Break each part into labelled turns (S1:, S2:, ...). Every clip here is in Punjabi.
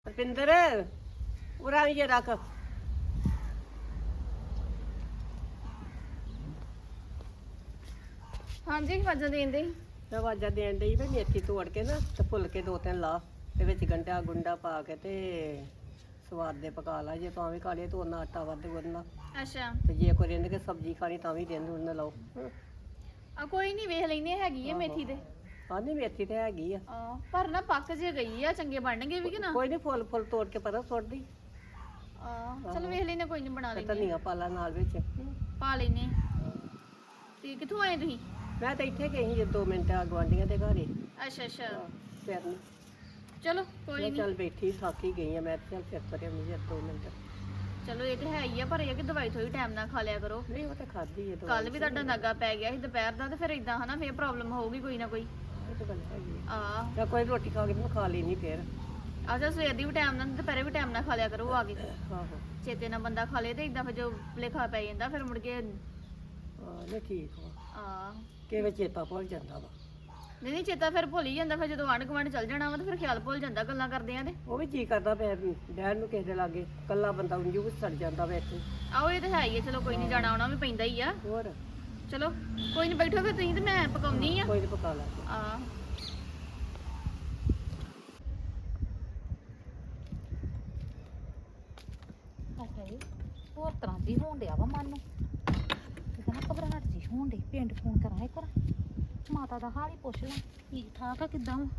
S1: ਰਪਿੰਦਰ ਉਰਾ ਵੀ ਜੇ ਰੱਖ।
S2: ਹਾਂਜੀ ਵਾਜਾਂ ਦੇਣ ਦੇ
S1: ਤੇ ਆਵਾਜ਼ਾਂ ਦੇਣ ਡਈ ਵੀ ਮੇਥੀ ਤੋੜ ਕੇ ਨਾ ਤੇ ਫੁੱਲ ਕੇ ਦੋ ਤਿੰਨ ਲਾ ਤੇ ਵਿੱਚ ਗੰਢਾ ਗੁੰਡਾ ਪਾ ਕੇ ਤੇ ਸਵਾਦ ਦੇ ਪਕਾ ਲਾ। ਜੇ ਤਾਂ ਵੀ ਖਾ ਲਏ ਤਾਂ ਉਹਨਾਂ ਆਟਾ ਵੱਧ ਗੁੰਨਣਾ
S2: ਅੱਛਾ
S1: ਤੇ ਜੇ ਕੋਈ ਰਿੰਨ ਕੇ ਸਬਜ਼ੀ ਖਾਣੀ ਤਾਂ ਵੀ ਰਿੰਨ ਉਹਨਾਂ ਲਾਓ।
S2: ਆ ਕੋਈ ਨਹੀਂ ਵੇਖ ਲੈਨੇ ਹੈਗੀ ਆ ਮੇਥੀ ਦੇ
S1: ਹਾਂ ਨਹੀਂ ਮੇਥੀ ਤੇ ਹੈਗੀ ਆ।
S2: ਪਰ ਨਾ ਪੱਕ ਜੇ ਗਈ ਆ ਚੰਗੇ ਬਣਨਗੇ ਵੀ ਕਿ ਨਾ
S1: ਕੋਈ ਨਹੀਂ ਫੁੱਲ ਫੁੱਲ ਤੋੜ ਕੇ ਪਤਾ ਸੁੱਟ ਦੀ
S2: ਚਲ ਵੇਖ ਲੈਨੇ ਕੋਈ ਨਹੀਂ ਬਣਾ
S1: ਤੇ
S2: ਲੈਨੇ
S1: ਧਨੀਆ ਪਾ ਲਾ ਨਾਲ ਵਿੱਚ।
S2: ਪਾ ਲੈਨੇ ਤੇ ਕਿੱਥੋਂ ਆਏ ਤੁਸੀਂ?
S1: ਮੈਂ ਤਾਂ ਇੱਥੇ ਗਈ ਸੀ 2 ਮਿੰਟ ਗਵਾਂਢੀਆਂ ਦੇ ਘਰੇ।
S2: ਅੱਛਾ ਅੱਛਾ
S1: ਫਿਰ ਨੀ
S2: ਚਲੋ ਕੋਈ
S1: ਮੈਂ
S2: ਨਹੀਂ
S1: ਚੱਲ ਬੈਠੀ ਥੱਕ ਹੀ ਗਈ ਆ ਮੈਂ ਤੇ ਚੱਲ ਫਿਰ ਕਰੇ ਨਹੀਂ 2 ਮਿੰਟ।
S2: ਚਲੋ ਇਹ ਤੇ ਹੈ ਹੀ ਆ ਪਰ ਇਹ ਕਿ ਦਵਾਈ ਥੋੜੀ ਟਾਈਮ ਨਾਲ ਖਾ ਲਿਆ ਕਰੋ।
S1: ਨਹੀਂ ਉਹ ਤਾਂ ਖਾਧੀ ਹੈ
S2: ਕੱਲ ਵੀ ਤੁਹਾਡਾ ਨਾਗਾ ਪੈ ਗਿਆ ਸੀ ਦੁਪਹਿਰ ਦਾ ਤੇ ਫਿਰ ਇਦਾਂ ਹਨਾ ਫੇਰ ਪ੍ਰੋਬਲਮ ਹੋਊਗੀ ਕੋਈ ਨਾ ਕੋਈ।
S1: ਇਹ ਤਾਂ ਗੱਲ ਹੈਗੀ ਆ।
S2: ਆ
S1: ਕੋਈ ਰੋਟੀ ਖਾ ਕੇ ਮੈਂ ਖਾ ਲੈਣੀ ਫਿਰ।
S2: ਅੱਛਾ ਸਵੇਰ ਦੀ ਵੀ ਟਾਈਮ ਨਾਲ ਦੁਪਹਿਰੇ ਵੀ ਟਾਈਮ ਨਾਲ ਖਾ ਲਿਆ ਕਰੋ ਆ ਕੇ।
S1: ਆਹੋ
S2: ਚੇਤੇ ਨਾਲ ਬੰਦਾ ਖਾ ਲੇ ਤੇ ਇਦਾਂ ਫਿਰ ਜੋ ਭੁਲੇਖਾ ਪੈ ਜਾਂਦਾ ਫਿਰ ਮੁੜ ਕੇ
S1: ਹਾਂ ਨਹੀਂ ਠੀਕ ਵਾ।
S2: ਆ
S1: ਕਿਵੇਂ ਚੇਤਾ ਭੁੱਲ ਜਾਂਦਾ ਵਾ।
S2: ਨਹੀਂ ਚੇਤਾ ਫਿਰ ਭੁੱਲ ਹੀ ਜਾਂਦਾ ਫਿਰ ਜਦੋਂ ਆਂਢ ਗੁਆਂਢ ਚੱਲ ਜਾਣਾ ਵਾ ਤੇ ਫਿਰ ਖਿਆਲ ਭੁੱਲ ਜਾਂਦਾ ਗੱਲਾਂ ਕਰਦੇ ਆਂ ਤੇ
S1: ਉਹ ਵੀ ਜੀ ਕਰਦਾ ਪਿਆ ਡੈਡ ਨੂੰ ਕਿਸੇ ਦੇ ਲਾਗੇ ਕੱਲਾ ਬੰਦਾ ਉਂਝ ਵੀ ਸੜ ਜਾਂਦਾ ਵਾ ਇੱਥੇ।
S2: ਆਓ ਇਹ ਤਾਂ ਹੈ ਹੀ ਆ ਚਲੋ ਕੋਈ ਨਹੀਂ ਜਾਣਾ ਆਉਣਾ ਵੀ ਪੈਂਦਾ ਹੀ ਆ।
S1: ਹੋਰ
S2: ਚਲੋ ਕੋਈ ਨਹੀਂ ਬੈਠੋ ਫਿਰ ਤੁਸੀਂ ਤੇ ਮੈਂ ਪਕਾਉਣੀ ਆ।
S1: ਕੋਈ ਨੀ ਪਕਾ ਲਾ
S2: ਆ
S3: ਹਾਏ ਹੋਰ ਤਰ੍ਹਾਂ ਦੀ ਹੋਣ ਡਿਆ ਵਾ ਮਨ ਨੂੰ ਕਿਤੇ ਨਾ ਘਬਰਾਹਟ ਜੀ ਹੋਣ ਡਈ। ਪਿੰਡ ਫੋਨ ਕਰਾਂ ਇੱਕ ਵਾਰ ਮਾਤਾ ਦਾ ਹਾਲ ਹੀ ਪੁੱਛ ਲਾਂ ਠੀਕ ਠਾਕ ਆ ਕਿੱਦਾਂ ਵਾ।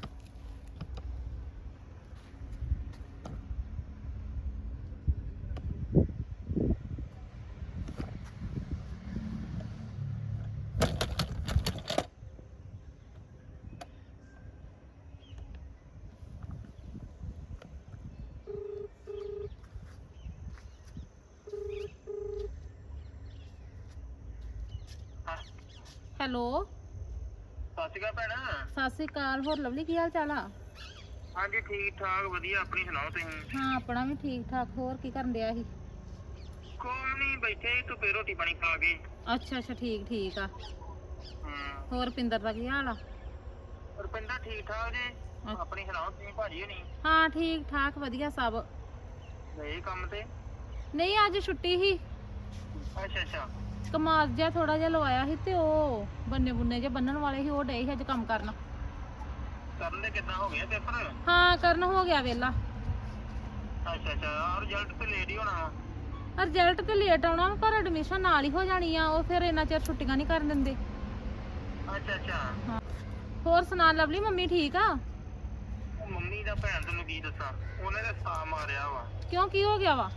S3: ਹੈਲੋ
S4: ਸਤਿ ਸ਼੍ਰੀ ਅਕਾਲ ਭੈਣ।
S3: ਸਤਿ ਸ੍ਰੀ ਅਕਾਲ। ਹੋਰ ਲਵਲੀ ਕੀ ਹਾਲ ਚਾਲ ਆ?
S4: ਹਾਂਜੀ ਠੀਕ ਠਾਕ ਵਧੀਆ। ਆਪਣੀ ਸੁਣਾਓ ਤੁਸੀਂ?
S3: ਹਾਂ ਆਪਣਾ ਵੀ ਠੀਕ ਠਾਕ। ਹੋਰ ਕੀ ਕਰਨ ਡਿਆ ਸੀ?
S4: ਕੋਈ ਨਹੀਂ ਬੈਠੇ ਧੁੱਪੇ ਰੋਟੀ ਪਾਣੀ ਖਾ ਕੇ।
S3: ਅੱਛਾ ਅੱਛਾ ਠੀਕ ਠੀਕ ਆ।
S4: ਹੂੰ
S3: ਹੋਰ ਪਿੰਦਰ ਦਾ ਕੀ ਹਾਲ ਆ?
S4: ਰੁਪਿੰਦਰ ਠੀਕ ਠਾਕ ਜੀ। ਆਪਣੀ ਸੁਣਾਓ ਤੁਸੀਂ ਭਾਜੀ ਹੋਣੀ?
S3: ਹਾਂ ਠੀਕ ਠਾਕ ਵਧੀਆ ਸਭ।
S4: ਗਏ ਕੰਮ ਤੇ?
S3: ਨਹੀਂ ਅੱਜ ਛੁੱਟੀ ਸੀ।
S4: ਅੱਛਾ ਅੱਛਾ
S3: ਕਮਾਲ ਜਿਹਾ ਥੋੜਾ ਜਿਹਾ ਲਵਾਇਆ ਸੀ ਤੇ ਉਹ ਬੰਨੇ ਬੁੰਨੇ ਜੇ ਬੰਨਣ ਵਾਲੇ ਸੀ ਉਹ ਡੇ ਸੀ ਅੱਜ ਕੰਮ ਕਰਨ।
S4: ਕਰਨ ਦੇ ਕਿੱਦਾਂ ਹੋ ਗਿਆ ਪੇਪਰ?
S3: ਹਾਂ ਕਰਨ ਹੋ ਗਿਆ ਵੇਲਾ।
S4: ਅੱਛਾ ਅੱਛਾ ਰਿਜ਼ਲਟ ਤੇ ਲੇਟ ਹੀ ਹੋਣਾ ਵਾ।
S3: ਰਿਜ਼ਲਟ ਤੇ ਲੇਟ ਆਉਣਾ ਪਰ ਐਡਮਿਸ਼ਨ ਨਾਲ ਹੀ ਹੋ ਜਾਣੀ ਆ। ਉਹ ਫਿਰ ਇੰਨਾ ਚਿਰ ਛੁੱਟੀਆਂ ਨਹੀਂ ਕਰਨ ਦਿੰਦੇ।
S4: ਅੱਛਾ ਅੱਛਾ
S3: ਹਾਂ ਹੋਰ ਸੁਣਾ ਲਵਲੀ ਮੰਮੀ ਠੀਕ ਆ?
S4: ਉਹ ਮੰਮੀ ਦਾ ਭੈਣ ਤੈਨੂੰ ਕੀ ਦੱਸਾਂ ਉਹਨੇ ਤਾਂ ਸਾਹ ਮਾਰਿਆ ਵਾ।
S3: ਕਿਉਂ ਕੀ ਹੋ ਗਿਆ ਵਾ?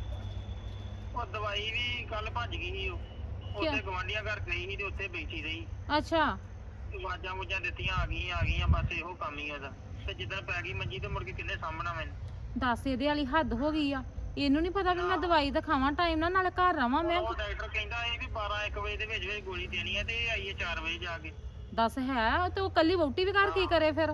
S4: ਉਹ ਦਵਾਈ ਵੀ ਕੱਲ ਭੱਜ ਗਈ ਸੀ। ਉਹ ਉੱਥੇ ਗਵਾਂਢੀਆਂ ਘਰ ਗਈ ਸੀ ਤੇ ਉੱਥੇ ਬੈਠੀ ਰਹੀ।
S3: ਅੱਛਾ
S4: ਆਵਾਜ਼ਾਂ ਵੂਜਾਂ ਦਿੱਤੀਆਂ ਆ ਗਈਆਂ ਬਸ ਇਹੋ ਕੰਮ ਹੀ ਉਹਦਾ। ਤੇ ਜਿੱਦਾਂ ਪੈ ਗਈ ਮੰਜੀ ਤੇ ਮੁੜ ਕੇ ਕਿੰਨੇ ਸਾਂਭਣਾ ਮੈਨੂੰ?
S3: ਦੱਸ ਇਹਦੇ ਵਾਲੀ ਹੱਦ ਹੋ ਗਈ ਆ। ਇਹਨੂੰ ਨਹੀਂ ਪਤਾ ਵੀ ਮੈਂ ਦਵਾਈ ਤਾਂ ਖਾਵਾਂ ਟਾਈਮ ਨਾਲ ਨਾਲੇ ਘਰ ਰਵਾਂ ਮੈਂ।
S4: ਉਹ ਡਾਕਟਰ ਕਹਿੰਦਾ ਇਹ ਵੀ 12-1 ਵਜੇ ਦੇ ਵਿੱਚ ਗੋਲੀ ਦੇਣੀ ਹੈ ਤੇ ਇਹ ਆਈ ਹੈ 4 ਵਜੇ ਜਾ ਕੇ।
S3: ਦੱਸ ਹੈ ਤੇ ਉਹ ਕੱਲੀ ਵਹੁਟੀ ਵੀ ਘਰ ਕੀ ਕਰੇ ਫਿਰ?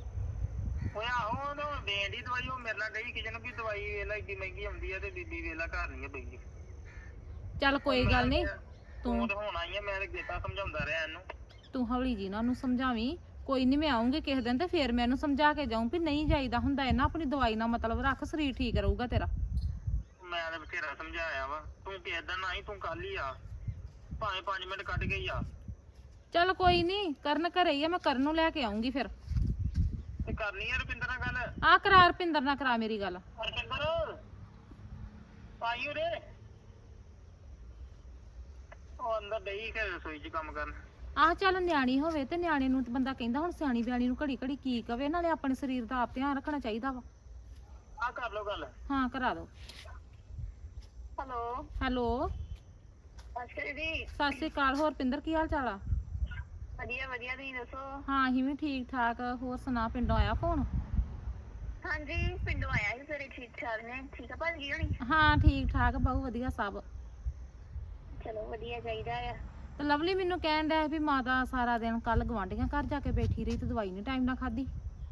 S4: ਓਏ ਆਹੋ ਉਹਨੂੰ ਦੇਣ ਦੀ ਦਵਾਈ। ਉਹ ਮੇਰੇ ਨਾਲ ਗਈ ਕਿਸੇ ਨੂੰ ਵੀ ਦਵਾਈ ਵੇਲਾ ਏਡੀ ਮਹਿੰਗੀ ਆਉਂਦੀ ਹੈ ਤੇ ਬੀਬੀ ਵੇਲਾ ਘਰ ਨਹੀਂ ਹੈ ਬੈਠੀ।
S3: ਚੱਲ ਕੋਈ ਗੱਲ ਨਹੀਂ
S4: ਤੂੰ ਤਾਂ ਹੁਣ ਆਈ ਹੈ ਮੈਂ ਤਾਂ ਗੇਤਾ ਸਮਝਾਉਂਦਾ ਰਿਹਾ ਇਹਨੂੰ।
S3: ਤੂੰ ਹੌਲੀ ਜੀ ਨਾ ਉਹਨੂੰ ਸਮਝਾਵੀਂ। ਕੋਈ ਨਹੀਂ ਮੈਂ ਆਉਂਗੀ ਕਿਸੇ ਦਿਨ ਤੇ ਫੇਰ ਮੈਂ ਇਹਨੂੰ ਸਮਝਾ ਕੇ ਜਾਊਂ ਵੀ ਨਹੀਂ ਜਾਈਦਾ ਹੁੰਦਾ ਇਹ ਨਾ ਆਪਣੀ ਦਵਾਈ ਨਾਲ ਮਤਲਬ ਰੱਖ ਸਰੀਰ ਠੀਕ ਰਹੂਗਾ ਤੇਰਾ।
S4: ਮੈਂ ਤਾਂ ਬਥੇਰਾ ਸਮਝਾਇਆ ਵਾ। ਤੂੰ ਕਿਸੇ ਦਿਨ ਆਈ ਤੂੰ ਕੱਲ ਹੀ ਆ ਭਾਵੇਂ 5 ਮਿੰਟ ਕੱਢ ਕੇ ਹੀ ਆ।
S3: ਚੱਲ ਕੋਈ ਨਹੀਂ ਕਰਨ ਘਰੇ ਹੀ ਆ ਮੈਂ ਕਰਨ ਨੂੰ ਲੈ ਕੇ ਆਉਂਗੀ ਫਿਰ।
S4: ਤੇ ਕਰਨੀ ਹੈ ਰੁਪਿੰਦਰ ਨਾਲ ਗੱਲ?
S3: ਆ ਕਰਾ ਰੁਪਿੰਦਰ ਨਾਲ ਕਰਾ ਮੇਰੀ ਗੱਲ।
S4: ਰੁਪਿੰਦਰ ਆਈ ਉਰੇ। ਉਹ ਅੰਦਰ ਡਈ ਕਿ ਰਸੋਈ 'ਚ ਕੰਮ ਕਰਨ।
S3: ਆਹ ਚੱਲ ਨਿਆਣੀ ਹੋਵੇ ਤੇ ਨਿਆਣੇ ਨੂੰ ਤੇ ਬੰਦਾ ਕਹਿੰਦਾ ਹੁਣ ਸਿਆਣੀ ਬਿਆਣੀ ਨੂੰ ਘੜੀ ਘੜੀ ਕੀ ਕਵੇ। ਨਾਲੇ ਆਪਣੇ ਸਰੀਰ ਦਾ ਆਪ ਧਿਆਨ ਰੱਖਣਾ ਚਾਹੀਦਾ ਵਾ।
S4: ਆ ਕਰ ਲੋ ਗੱਲ।
S3: ਹਾਂ ਕਰਾ ਦੋ।
S4: ਹੈਲੋ
S3: ਹੈਲੋ
S4: ਅੱਛਾ ਜੀ।
S3: ਸਤਿ ਸ੍ਰੀ ਅਕਾਲ। ਹੋਰ ਪਿੰਦਰ ਕੀ ਹਾਲ ਚਾਲ ਆ?
S4: ਵਧੀਆ ਵਧੀਆ ਤੁਸੀਂ ਦੱਸੋ?
S3: ਹਾਂ ਅਸੀਂ ਵੀ ਠੀਕ ਠਾਕ। ਹੋਰ ਸੁਣਾ ਪਿੰਡੋਂ ਆਇਆ ਫੋਨ?
S4: ਹਾਂਜੀ ਪਿੰਡੋਂ ਆਇਆ ਸੀ ਸਾਰੇ ਠੀਕ ਠਾਕ ਨੇ। ਠੀਕ ਆ ਭਾਜੀ ਹੋਣੀ?
S3: ਹਾਂ ਠੀਕ ਠਾਕ ਬਹੁਤ ਵਧੀਆ ਸਭ।
S4: ਚਲੋ ਵਧੀਆ ਚਾਹੀਦਾ ਆ।
S3: ਤੇ ਲਵਲੀ ਮੈਨੂੰ ਕਹਿਣ ਡਿਆ ਵੀ ਮਾਤਾ ਸਾਰਾ ਦਿਨ ਕੱਲ ਗਵਾਂਢੀਆਂ ਘਰ ਜਾ ਕੇ ਬੈਠੀ ਰਹੀ ਤੇ ਦਵਾਈ ਨਹੀਂ ਟਾਈਮ ਨਾਲ ਖਾਧੀ।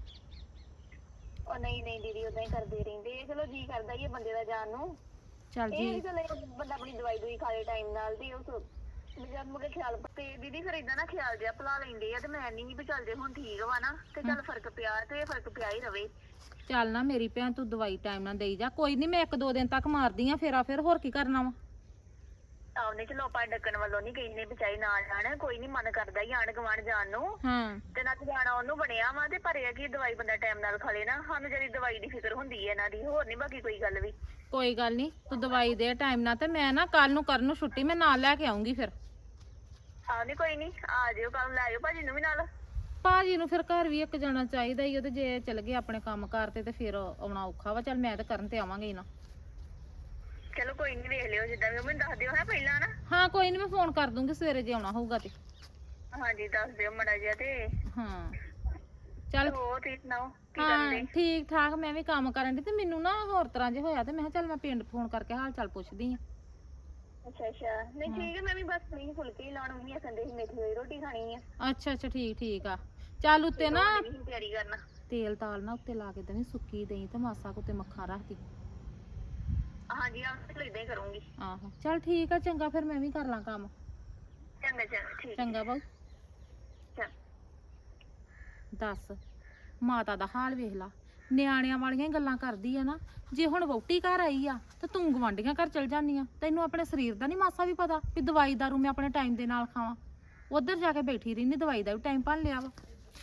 S4: ਉਹ ਨਹੀਂ ਨਹੀਂ ਦੀਦੀ ਉਦਾਂ ਹੀ ਕਰਦੇ ਰਹਿੰਦੇ। ਚਲੋ ਜੀ ਕਰਦਾ ਹੀ ਹੈ ਬੰਦੇ ਦਾ ਜਾਣ ਨੂੰ।
S3: ਚੱਲ
S4: ਇਹ
S3: ਜੀ
S4: ਚਲੋ ਬੰਦਾ ਆਪਣੀ ਦਵਾਈ ਦੂਈ ਖਾ ਲੇ ਟਾਈਮ ਨਾਲ ਦੀ ਉਹ ਜਦ ਮੁਕੇ ਖਿਆਲ। ਤੇ ਦੀਦੀ ਫਿਰ ਇਦਾਂ ਨਾ ਖਿਆਲ ਜਿਹਾ ਭੁਲਾ ਲੈਂਦੇ ਆ ਤੇ ਮੈਂ ਨਹੀਂ ਵੀ ਚੱਲ ਜੇ ਹੁਣ ਠੀਕ ਵਾ ਨਾ ਤੇ ਚੱਲ ਫਰਕ ਪਿਆ ਤੇ ਫਰਕ ਪਿਆ ਹੀ ਰਵੇ।
S3: ਚੱਲ ਨਾ ਮੇਰੀ ਭੈਣ ਤੂੰ ਦਵਾਈ ਟਾਈਮ ਨਾਲ ਦੇਈ ਜਾ। ਕੋਈ ਨਹੀਂ ਮੈਂ 1-2 ਦਿਨ ਤੱਕ ਮਾਰਦੀ ਆ ਫੇਰਾ, ਫਿਰ ਹੋਰ ਕੀ ਕਰਨਾ ਵਾ।
S5: ਆਉਨੇ ਚਲੋ ਆਪਾਂ ਡੱਕਣ ਵੱਲੋਂ ਨਹੀਂ ਕਹਿੰਦੇ ਵਿਚਾਈ ਨਾਲ ਜਾਣ, ਕੋਈ ਨਹੀਂ ਮਨ ਕਰਦਾ ਹੀ ਆਣ ਗਵਾਣ ਜਾਣ ਨੂੰ
S3: ਹਾਂ
S5: ਤੇ ਨਾ ਜਾਣਾ ਉਹਨੂੰ ਬਣਿਆ ਵਾ, ਤੇ ਪਰ ਇਹ ਆ ਕਿ ਦਵਾਈ ਬੰਦਾ ਟਾਈਮ ਨਾਲ ਖਾ ਲੇ ਨਾ, ਸਾਨੂੰ ਜਿਹੜੀ ਦਵਾਈ ਦੀ ਫਿਕਰ ਹੁੰਦੀ ਹੈ ਇਹਨਾਂ ਦੀ, ਹੋਰ ਨਹੀਂ ਬਾਕੀ ਕੋਈ ਗੱਲ ਵੀ।
S3: ਕੋਈ ਗੱਲ ਨਹੀਂ, ਤੂੰ ਦਵਾਈ ਦੇ ਟਾਈਮ ਨਾਲ, ਤੇ ਮੈਂ ਨਾ ਕੱਲ ਨੂੰ ਕਰਨ ਨੂੰ ਛੁੱਟੀ ਮੈਂ ਨਾਲ ਲੈ ਕੇ ਆਉਂਗੀ ਫਿਰ।
S5: ਆਹ ਨਹੀਂ ਕੋਈ ਨਹੀਂ, ਆ ਜਿਓ ਕੱਲ, ਲੈ ਆਇਓ ਭਾਜੀ ਨੂੰ ਵੀ ਨਾਲ।
S3: ਭਾਜੀ ਨੂੰ ਫਿਰ ਘਰ ਵੀ ਇੱਕ ਜਾਣਾ ਚਾਹੀਦਾ ਹੀ, ਉਹਦੇ ਜੇ ਚਲ ਗਏ ਆਪਣੇ ਕੰਮ ਕਾਰ ਤੇ ਫਿਰ ਆਉਣਾ ਔਖਾ ਵਾ। ਚੱਲ ਮੈਂ ਤਾਂ ਕਰਨ ਤੇ ਆਵਾਂਗੇ ਹੀ ਨਾ।
S5: ਚਲੋ ਕੋਈ ਨਹੀਂ, ਵੇਖ ਲਿਓ ਜਿੱਦਾਂ ਵੀ, ਉਹ ਮੈਨੂੰ ਦੱਸ ਦਿਓ ਹੈ ਪਹਿਲਾਂ ਨਾ।
S3: ਹਾਂ ਕੋਈ ਨਹੀਂ, ਮੈਂ ਫੋਨ ਕਰ ਦੂੰਗੀ ਸਵੇਰੇ ਜੇ ਆਉਣਾ ਹੋਊਗਾ ਤੇ।
S5: ਹਾਂਜੀ ਦੱਸ ਦਿਓ ਮੜਾ ਜਿਹਾ। ਤੇ
S3: ਹਾਂ ਚੱਲ
S5: ਹੋਰ ਤੁਸੀਂ ਸੁਣਾਓ ਕੀ
S3: ਹਾਂ
S5: ਕਰਦੇ?
S3: ਠੀਕ ਠਾਕ, ਮੈਂ ਵੀ ਕੰਮ ਕਰਨ ਦੀ ਤੇ ਮੈਨੂੰ ਨਾ ਹੋਰ ਤਰ੍ਹਾਂ ਜੇ ਹੋਇਆ ਤੇ ਮੈਂ ਕਿਹਾ ਚੱਲ ਮੈਂ ਪਿੰਡ ਫੋਨ ਕਰਕੇ ਹਾਲ ਚਾਲ ਪੁੱਛਦੀ ਆ।
S5: ਅੱਛਾ ਅੱਛਾ, ਨਹੀਂ ਠੀਕ ਹੈ, ਮੈਂ ਵੀ ਬਸ ਨਹੀਂ ਫੁਲਕੇ ਹੀ ਲਾਉਣ ਨਹੀਂ ਆਖੰਦੇ ਸੀ, ਮੇਥੀ ਹੋਈ ਰੋਟੀ ਖਾਣੀ ਆ।
S3: ਅੱਛਾ ਅੱਛਾ ਠੀਕ ਆ। ਚੱਲ ਉੱਤੇ ਨਾ
S5: ਨਹੀਂ ਤਿਆਰੀ ਕਰਨਾ।
S3: ਤੇਲ ਤਾਲ ਨਾ ਉੱਤੇ ਲਾ ਕੇ ਦੇਣੀ, ਸੁੱਕੀ ਦਹੀਂ ਤੇ ਮਾਸਾ ਕੁ ਉੱਤੇ ਮੱਖਾ ਰੱਖਦੀ।
S5: ਹਾਂਜੀ ਆਹ ਤੇ ਇਦਾਂ ਹੀ ਕਰੂੰਗੀ।
S3: ਆਹੋ ਚੱਲ ਠੀਕ ਆ, ਚੰਗਾ ਫਿਰ ਮੈਂ ਵੀ ਕਰ ਲਾਂ ਕੰਮ।
S5: ਚੰਗਾ ਚੰਗਾ ਠੀਕ
S3: ਚੰਗਾ ਬਾਊ।
S5: ਚੰਗਾ।
S3: ਦੱਸ ਮਾਤਾ ਦਾ ਹਾਲ ਵੇਖ ਲਾ, ਨਿਆਣਿਆਂ ਵਾਲੀਆਂ ਹੀ ਗੱਲਾਂ ਕਰਦੀ ਆ ਨਾ। ਜੇ ਹੁਣ ਵਹੁਟੀ ਘਰ ਆਈ ਆ ਤੇ ਤੂੰ ਗਵਾਂਢੀਆਂ ਘਰ ਚਲ ਜਾਂਦੀ ਆ, ਤੈਨੂੰ ਆਪਣੇ ਸਰੀਰ ਦਾ ਨਹੀਂ ਮਾਸਾ ਵੀ ਪਤਾ ਵੀ ਦਵਾਈ ਦਾਰੂ ਮੈਂ ਆਪਣੇ ਟਾਈਮ ਦੇ ਨਾਲ ਖਾਵਾਂ। ਉਧਰ ਜਾ ਕੇ ਬੈਠੀ ਰਹਿੰਦੀ, ਦਵਾਈ ਦਾ ਵੀ ਟਾਈਮ ਭੰਨ ਲਿਆ ਵਾ।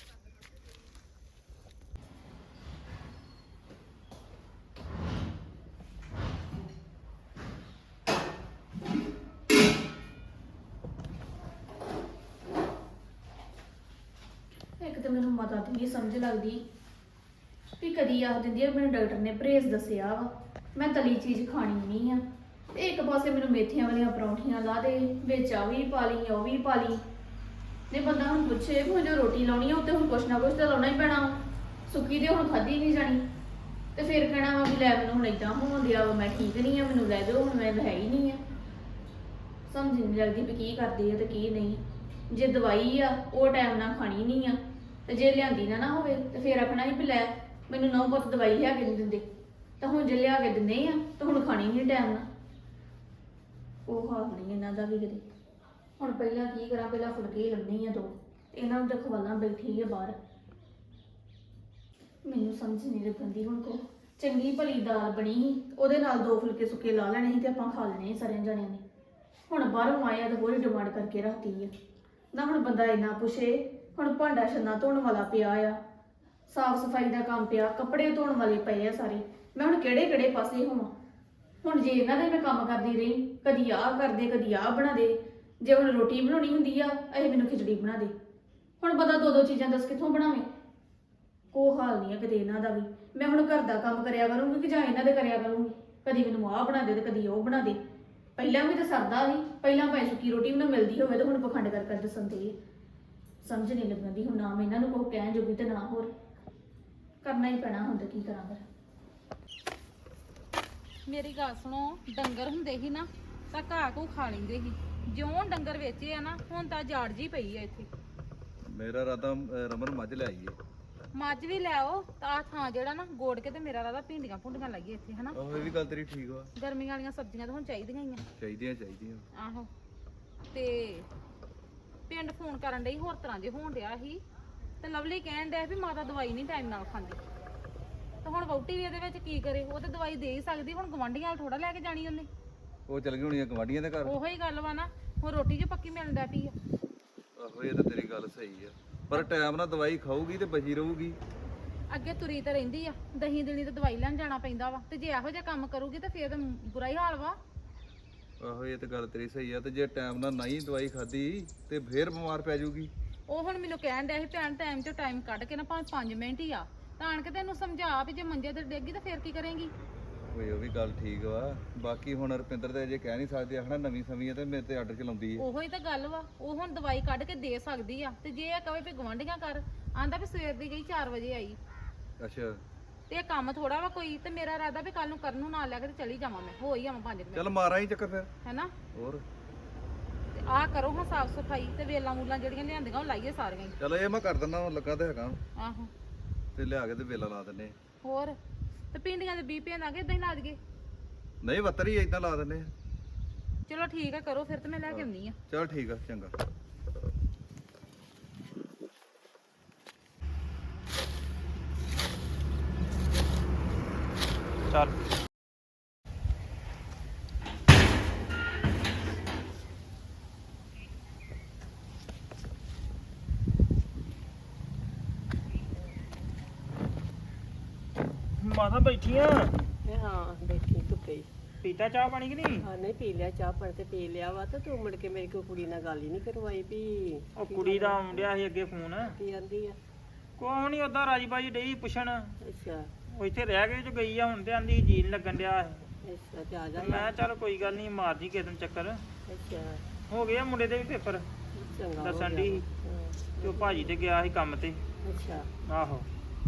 S2: ਇੱਕ ਤਾਂ ਮੈਨੂੰ ਮਾਤਾ ਦੀ ਨਹੀਂ ਸਮਝ ਲੱਗਦੀ ਵੀ ਕਦੀ ਆਖ ਦਿੰਦੀ ਆ ਮੈਨੂੰ ਡਾਕਟਰ ਨੇ ਪਰਹੇਜ਼ ਦੱਸਿਆ ਵਾ, ਮੈਂ ਤਲੀ ਚੀਜ਼ ਖਾਣੀ ਨਹੀਂ ਆ, ਤੇ ਇੱਕ ਪਾਸੇ ਮੈਨੂੰ ਮੇਥੀਆਂ ਵਾਲੀਆਂ ਪਰੌਂਠੀਆਂ ਲਾ ਦੇ, ਵਿੱਚ ਆ ਵੀ ਪਾ ਲਈ ਉਹ ਵੀ ਪਾ ਲਈ। ਨੇ ਬੰਦਾ ਹੁਣ ਪੁੱਛੇ ਵੀ ਜੋ ਰੋਟੀ ਲਾਉਣੀ ਆ ਉੱਤੇ ਹੁਣ ਕੁਛ ਨਾ ਕੁਛ ਤਾਂ ਲਾਉਣਾ ਹੀ ਪੈਣਾ ਵਾ, ਸੁੱਕੀ ਤੇ ਹੁਣ ਖਾਧੀ ਨਹੀਂ ਜਾਣੀ। ਤੇ ਫਿਰ ਕਹਿਣਾ ਵਾ ਵੀ ਲੈ ਮੈਨੂੰ ਹੁਣ ਏਦਾਂ ਹੋਣ ਦਿਆ ਵਾ, ਮੈਂ ਠੀਕ ਨਹੀਂ ਆ, ਮੈਨੂੰ ਲੈ ਦਿਓ, ਹੁਣ ਮੈਂ ਹੈ ਹੀ ਨਹੀਂ ਆ। ਸਮਝ ਨਹੀਂ ਲੱਗਦੀ ਵੀ ਕੀ ਕਰਦੇ ਆ ਤੇ ਕੀ ਨਹੀਂ। ਜੇ ਦਵਾਈ ਆ ਉਹ ਟਾਈਮ ਨਾਲ ਖਾਣੀ ਨਹੀਂ ਆ, ਤੇ ਜੇ ਲਿਆਂਦੀ ਨਾ ਹੋਵੇ ਤੇ ਫਿਰ ਆਖਣਾ ਹੀ ਵੀ ਲੈ ਮੈਨੂੰ ਨਾ ਬਹੁਤ ਦਵਾਈ ਲਿਆ ਕੇ ਨਹੀਂ ਦਿੰਦੇ, ਤਾਂ ਹੁਣ ਜੇ ਲਿਆ ਕੇ ਦਿੰਦੇ ਆ ਤਾਂ ਹੁਣ ਖਾਣੀ ਨਹੀਂ ਟਾਈਮ ਨਾਲ। ਉਹ ਹਾਲ ਨਹੀਂ ਇਹਨਾਂ ਦਾ ਵੀ ਕਿਤੇ। ਹੁਣ ਪਹਿਲਾਂ ਕੀ ਕਰਾਂ, ਪਹਿਲਾਂ ਫੁਲਕੇ ਲਾਉਣੀ ਆ 2, ਤੇ ਇਹਨਾਂ ਨੂੰ ਤਾਂ ਖਵਾਲਾਂ ਬੈਠੀ ਆ ਬਾਹਰ। ਮੈਨੂੰ ਸਮਝ ਨਹੀਂ ਲੱਗਦੀ ਹੁਣ ਕੋ ਚੰਗੀ ਭਲੀ ਦਾਲ ਬਣੀ ਸੀ, ਉਹਦੇ ਨਾਲ 2 ਫੁਲਕੇ ਸੁੱਕੇ ਲਾ ਲੈਣੇ ਸੀ ਤੇ ਆਪਾਂ ਖਾ ਲੈਣੇ ਸੀ ਸਾਰਿਆਂ ਜਣਿਆਂ ਨੇ। ਹੁਣ ਬਾਹਰੋਂ ਆਇਆ ਤਾਂ ਹੋਰ ਡਿਮਾਂਡ ਕਰਕੇ ਰੱਖਤੀ ਆ ਨਾ। ਹੁਣ ਬੰਦਾ ਇੰਨਾ ਪੁੱਛੇ, ਹੁਣ ਭਾਂਡਾ ਛੰਨਾ ਧੋਣ ਵਾਲਾ ਪਿਆ ਆ, ਸਾਫ ਸਫਾਈ ਦਾ ਕੰਮ ਪਿਆ, ਕੱਪੜੇ ਧੋਣ ਵਾਲੇ ਪਏ ਆ ਸਾਰੇ, ਮੈਂ ਹੁਣ ਕਿਹੜੇ ਕਿਹੜੇ ਪਾਸੇ ਹੋਵਾਂ। ਹੁਣ ਜੇ ਇਹਨਾਂ ਦੇ ਮੈਂ ਕੰਮ ਕਰਦੀ ਰਹੀ, ਕਦੀ ਆਹ ਕਰਦੇ ਕਦੀ ਆਹ ਬਣਾ ਦੇ, ਜੇ ਹੁਣ ਰੋਟੀ ਬਣਾਉਣੀ ਹੁੰਦੀ ਆ ਇਹ ਮੈਨੂੰ ਖਿਚੜੀ ਬਣਾ ਦੇ। ਹੁਣ ਬੰਦਾ 2-2 ਚੀਜ਼ਾਂ ਦੱਸ ਕਿੱਥੋਂ ਬਣਾਵੇ। ਕੋਈ ਹਾਲ ਨਹੀਂ ਆ ਕਿਤੇ ਇਹਨਾਂ ਦਾ ਵੀ। ਮੈਂ ਹੁਣ ਘਰ ਦਾ ਕੰਮ ਕਰਿਆ ਕਰੂੰਗੀ ਕਿ ਜਾਂ ਇਹਨਾਂ ਦੇ ਕਰਿਆ ਕਰੂੰਗੀ, ਕਦੀ ਮੈਨੂੰ ਆਹ ਬਣਾ ਦੇ ਤੇ ਕਦੀ ਉਹ ਬਣਾ ਦੇ। ਪਹਿਲਾਂ ਵੀ ਤਾਂ ਸਰਦਾ ਸੀ, ਪਹਿਲਾਂ ਭਾਵੇਂ ਸੁੱਕੀ ਰੋਟੀ ਵੀ ਨਾ ਮਿਲਦੀ ਹੋਵੇ, ਤਾਂ ਹੁਣ ਪਖੰਡ ਕਰ ਦੱਸਣ ਤੇ ਸਮਝ ਨਹੀਂ ਲੱਗਦੀ। ਹੁਣ ਨਾ ਮੈਂ ਇਹਨਾਂ ਨੂੰ ਕੋਈ ਕਹਿਣ ਜੋਗੀ ਤੇ ਨਾ ਹੋਰ ਕਰਨਾ ਹੀ ਪੈਣਾ ਹੁੰਦਾ, ਕੀ ਕਰਾਂ ਫਿਰ।
S3: ਮੇਰੀ ਗੱਲ ਸੁਣੋ, ਡੰਗਰ ਹੁੰਦੇ ਸੀ ਨਾ ਤਾਂ ਘਾਹ ਘੂ ਖਾ ਲੈਂਦੇ ਸੀ, ਜਿਉਂ ਡੰਗਰ ਵੇਚੇ ਆ ਨਾ ਹੁਣ ਤਾਂ ਜਾੜ ਜੀ ਪਈ ਆ ਇੱਥੇ।
S6: ਮੇਰਾ ਰਾਦਾ ਰਮਨ ਮੱਝ ਲੈ ਆਈਏ।
S3: ਮੱਝ ਵੀ ਲੈ ਆਓ ਤਾਂ ਆਹ ਥਾਂ ਜਿਹੜਾ ਨਾ ਗੋੜ ਕੇ ਤੇ ਮੇਰਾ ਰਾਦਾ ਭਿੰਡੀਆਂ ਭੁੰਡੀਆਂ ਲਾਈਏ ਇੱਥੇ, ਹਨਾ।
S6: ਉਹ ਇਹ ਵੀ ਗੱਲ ਤੇਰੀ ਠੀਕ ਵਾ,
S3: ਗਰਮੀਆਂ ਵਾਲੀਆਂ ਸਬਜ਼ੀਆਂ ਤਾਂ ਹੁਣ ਚਾਹੀਦੀਆਂ ਹੀ ਆ।
S6: ਚਾਹੀਦੀਆਂ।
S3: ਆਹੋ ਤੇ ਪਿੰਡ ਫੋਨ ਕਰਨ ਡਈ, ਹੋਰ ਤਰ੍ਹਾਂ ਜੇ ਹੋਣ ਡਿਆ ਸੀ, ਤੇ ਲਵਲੀ ਕਹਿਣ ਡਿਆ ਵੀ ਮਾਤਾ ਦਵਾਈ ਨਹੀਂ ਟਾਈਮ ਨਾਲ ਖਾਂਦੀ। ਤੇ ਹੁਣ ਵਹੁਟੀ ਵੀ ਇਹਦੇ ਵਿੱਚ ਕੀ ਕਰੇ, ਉਹ ਤੇ ਦਵਾਈ ਦੇ ਹੀ ਸਕਦੀ, ਹੁਣ ਗਵਾਂਢੀਆਂ ਨਾਲ ਥੋੜਾ ਲੈ ਕੇ ਜਾਣੀ ਉਹਨੇ।
S6: ਉਹ ਚਲ ਗਈ ਹੋਣੀ ਆ ਗਵਾਂਢੀਆਂ ਦੇ ਘਰ।
S3: ਉਹੋ ਹੀ ਗੱਲ ਵਾ ਨਾ, ਹੁਣ ਰੋਟੀ ਜੋ ਪੱਕੀ ਮਿਲਣ ਡੈ ਪਈ ਆ।
S6: ਆਹੋ ਇਹ ਤਾਂ ਤੇਰੀ ਗੱਲ ਸਹੀ ਆ, ਪਰ ਟਾਈਮ ਨਾਲ ਦਵਾਈ ਖਾਊਗੀ ਤੇ ਬਚੀ ਰਹੂਗੀ।
S3: ਅੱਗੇ ਤੁਰੀ ਤਾਂ ਰਹਿੰਦੀ ਆ, ਦਹੀਂ ਦੇਣੀ ਤੇ ਦਵਾਈ ਲੈਣ ਜਾਣਾ ਪੈਂਦਾ ਵਾ, ਤੇ ਜੇ ਇਹੋ ਜਿਹਾ ਕੰਮ ਕਰੂਗੀ ਤਾਂ ਫੇਰ ਤਾਂ ਬੁਰਾ ਹੀ ਹਾਲ ਵਾ।
S6: ਆਹੋ ਇਹ ਤਾਂ ਗੱਲ ਤੇਰੀ ਸਹੀ ਆ, ਤੇ ਜੇ ਟਾਈਮ ਨਾਲ ਨਹੀਂ ਦਵਾਈ ਖਾਦੀ ਤੇ ਫੇਰ ਬਿਮਾਰ ਪੈ ਜਾਊਗੀ।
S3: ਉਹ ਹੁਣ ਮੈਨੂੰ ਕਹਿਣ ਡਿਆ ਸੀ ਭੈਣ ਟਾਈਮ ਚੋਂ ਟਾਈਮ ਕੱਢ ਕੇ ਨਾ ਭਾਵੇਂ 5 ਮਿੰਟ ਹੀ ਆ ਤਾਂ ਆਣ ਕੇ ਤੈਨੂੰ ਸਮਝਾ ਵੀ ਜੇ ਮੰਜੇ ਤੇ ਡੇਗੀ ਤਾਂ ਫੇਰ ਕੀ ਕਰੇਂਗੀ।
S6: ਓਏ ਉਹ ਵੀ ਗੱਲ ਠੀਕ ਵਾ, ਬਾਕੀ ਹੁਣ ਰੁਪਿੰਦਰ ਤੇ ਅਜੇ ਕਹਿ ਨਹੀਂ ਸਕਦੇ, ਆਖਣਾ ਨਵੀਂ ਸਮੀ ਆ ਤੇ ਮੇਰੇ ਤੇ ਆਰਡਰ ਚਲਾਉਂਦੀ ਆ।
S3: ਉਹੋ ਹੀ ਤਾਂ ਗੱਲ ਵਾ, ਉਹ ਹੁਣ ਦਵਾਈ ਕੱਢ ਕੇ ਦੇ ਸਕਦੀ ਆ, ਤੇ ਜੇ ਇਹ ਕਵੇ ਵੀ ਗਵਾਂਢੀਆਂ ਕਰ, ਆਂਦਾ ਵੀ ਸਵੇਰ ਦੀ ਗਈ 4 ਵਜੇ ਆਈ।
S6: ਅੱਛਾ
S3: ਤੇ ਇਹ ਕੰਮ ਥੋੜਾ ਵਾ ਕੋਈ, ਤੇ ਮੇਰਾ ਇਰਾਦਾ ਵੀ ਕੱਲ ਨੂੰ ਕਰਨ ਨੂੰ ਨਾਲ ਲੈ ਕੇ ਤੇ ਚਲੀ ਜਾਵਾਂ, ਮੈਂ ਹੋ ਹੀ ਆਵਾਂ 5 ਮਿੰਟ,
S6: ਚੱਲ ਮਾਰਾਂ ਹੀ ਚੱਕਰ ਫਿਰ।
S3: ਹੈਨਾ।
S6: ਹੋਰ
S3: ਤੇ ਆਹ ਕਰੋ ਹਾਂ ਸਾਫ ਸਫਾਈ, ਤੇ ਵੇਲਾਂ ਮੂਲਾਂ ਜਿਹੜੀਆਂ ਲਿਆਂਦੀਆਂ ਉਹ ਲਾਈਏ ਸਾਰੀਆਂ ਹੀ।
S6: ਚਲੋ ਇਹ ਮੈਂ ਕਰ ਦਿੰਦਾ, ਲੱਗਾ ਤੇ ਹੈਗਾ,
S3: ਆਹੋ
S6: ਤੇ ਲਿਆ ਕੇ ਤੇ ਵੇਲਾ ਲਾ ਦਿੰਨੇ।
S3: ਹੋਰ ਤੇ ਪਿੰਡੀਆਂ ਦੇ ਬੀਜ ਭੇਂਦਾਂਗੇ ਇਦਾਂ ਹੀ ਲਾ ਦਈਏ।
S6: ਨਹੀਂ ਵੱਤਰ ਹੀ ਇਦਾਂ ਲਾ ਦਿੰਨੇ।
S3: ਚਲੋ ਠੀਕ ਆ, ਕਰੋ ਫਿਰ ਤੇ ਮੈਂ ਲੈ ਕੇ ਆਉਂਦੀ ਆ।
S6: ਚਲ ਠੀਕ ਆ, ਚੰਗਾ।
S7: ਚੱਲ ਮਾਤਾ ਬੈਠੀਆਂ
S1: ਇਹ ਹਾਂ ਬੈਠੀ ਧੁੱਪੇ
S7: ਪੀਤਾ ਚਾਹ ਪਾਣੀ ਕਿ ਨਹੀਂ
S1: ਹਾਂ ਨਹੀਂ ਪੀ ਲਿਆ ਚਾਹ ਪਾਣੀ ਤੇ ਪੀ ਲਿਆ ਵਾ ਤੇ ਤੂੰ ਮੁੜ ਕੇ ਮੇਰੀ ਕੋਈ ਕੁੜੀ ਨਾਲ ਗੱਲ ਹੀ ਨਹੀਂ ਕਰਵਾਈ ਵੀ
S7: ਉਹ ਕੁੜੀ ਦਾ ਆਉਂਦਿਆ ਸੀ ਅੱਗੇ ਫੋਨ
S1: ਕੀ ਆਂਦੀ ਆ
S7: ਕੋਈ ਨਹੀਂ ਉਦਾਂ ਰਾਜੀ ਬਾਜੀ ਡਈ ਪੁੱਛਣ
S1: ਅੱਛਾ
S7: ਉਹ ਇੱਥੇ ਰਹਿ ਕੇ ਜੋ ਗਈ ਆ ਹੁਣ ਤੇ ਆਂਦੀ ਜੀ ਨੀ ਲੱਗਣ ਡਿਆ ਸੀ।
S1: ਅੱਛਾ ਤੇ ਆ ਜਾ
S7: ਮੈਂ ਕਿਹਾ ਚੱਲ ਕੋਈ ਗੱਲ ਨਹੀਂ ਮਾਰ ਜੀ ਕਿਸੇ ਦਿਨ ਚੱਕਰ
S1: ਅੱਛਾ
S7: ਹੋ ਗਿਆ ਮੁੰਡੇ ਦੇ ਵੀ ਪੇਪਰ
S1: ਚੰਗਾ ਹੋ
S7: ਦੱਸਣ
S1: ਗਿਆ।
S7: ਦੀ ਤੇ ਉਹ ਭਾਜੀ ਤੇ ਗਿਆ ਸੀ ਕੰਮ ਤੇ
S1: ਅੱਛਾ
S7: ਆਹੋ